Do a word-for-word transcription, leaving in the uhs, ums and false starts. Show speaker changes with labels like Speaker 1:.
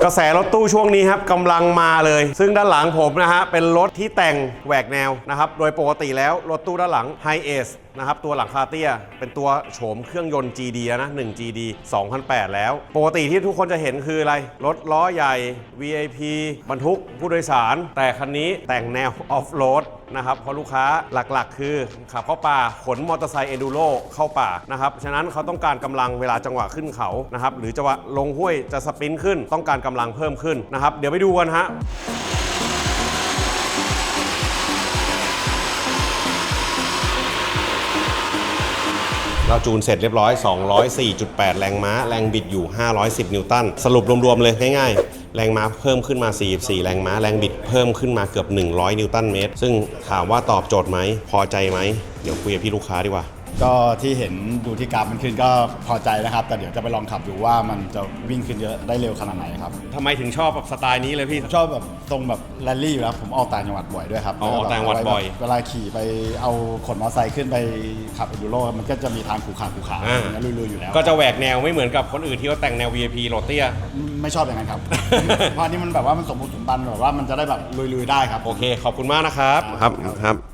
Speaker 1: กระแสรถตู้ช่วงนี้ครับกำลังมาเลยซึ่งด้านหลังผมนะฮะเป็นรถที่แต่งแหวกแนวนะครับโดยปกติแล้วรถตู้ด้านหลัง High Ace นะครับตัวหลังคาเตี้ยเป็นตัวโฉมเครื่องยนต์ จี ดี นะหนึ่ง จี ดี สองพันแปด แล้วปกติที่ทุกคนจะเห็นคืออะไรรถล้อใหญ่ วี ไอ พี บรรทุกผู้โดยสารแต่คันนี้แต่งแนวออฟโรดนะครับเพราะลูกค้าหลักๆคือขับเข้าป่าขนมอเตอร์ไซค์เอดูโรเข้าป่านะครับฉะนั้นเขาต้องการกำลังเวลาจังหวะขึ้นเขานะครับหรือจังหวะลงห้วยจะสปรินต์ขึ้นต้องการกำลังเพิ่มขึ้นนะครับเดี๋ยวไปดูกันฮะเราจูนเสร็จเรียบร้อย สองร้อยสี่จุดแปด แรงม้าแรงบิดอยู่ห้าร้อยสิบนิวตันสรุปรวมๆเลยง่ายๆแรงม้าเพิ่มขึ้นมาสี่สิบสี่แรงม้าแรงบิดเพิ่มขึ้นมาเกือบหนึ่งร้อยนิวตันเมตรซึ่งถามว่าตอบโจทย์ไหมพอใจไหมเดี๋ยวคุยกับพี่ลูกค้าดีกว่า
Speaker 2: ก็ที่เห็นดูที่กราฟมันขึ้นก็พอใจนะครับแต่เดี๋ยวจะไปลองขับดูว่ามันจะวิ่งขึ้นเยอะได้เร็วขนาดไหนครับ
Speaker 1: ทำไมถึงชอบแบบสไตล์นี้เลยพี่
Speaker 2: ชอบแบบตรงแบบแรลลี่อยู่แล้วผมออกต่างจังหวัดบ่อยด้วยครับ
Speaker 1: ออกต่างจังหวัดบ่อย
Speaker 2: เวลาขี่ไปเอาขนมอเตอร์ไซค์ขึ้นไปขับเอดูโรมันก็จะมีทางขูขาขูขาอย่างเงี้ยลุยๆอยู่แล้ว
Speaker 1: ก็จะแหวกแนวไม่เหมือนกับคนอื่นที่เขาแต่งแนว วี ไอ พี โรเตีย
Speaker 2: ไม่ชอบอย่างนั้นครับ เพราะนี่มันแบบว่ามันสมบูรณ์สมบันแบบว่ามันจะได้แบบลุยๆได้ครับ
Speaker 1: โอเคขอบคุณมากนะครับครับครับ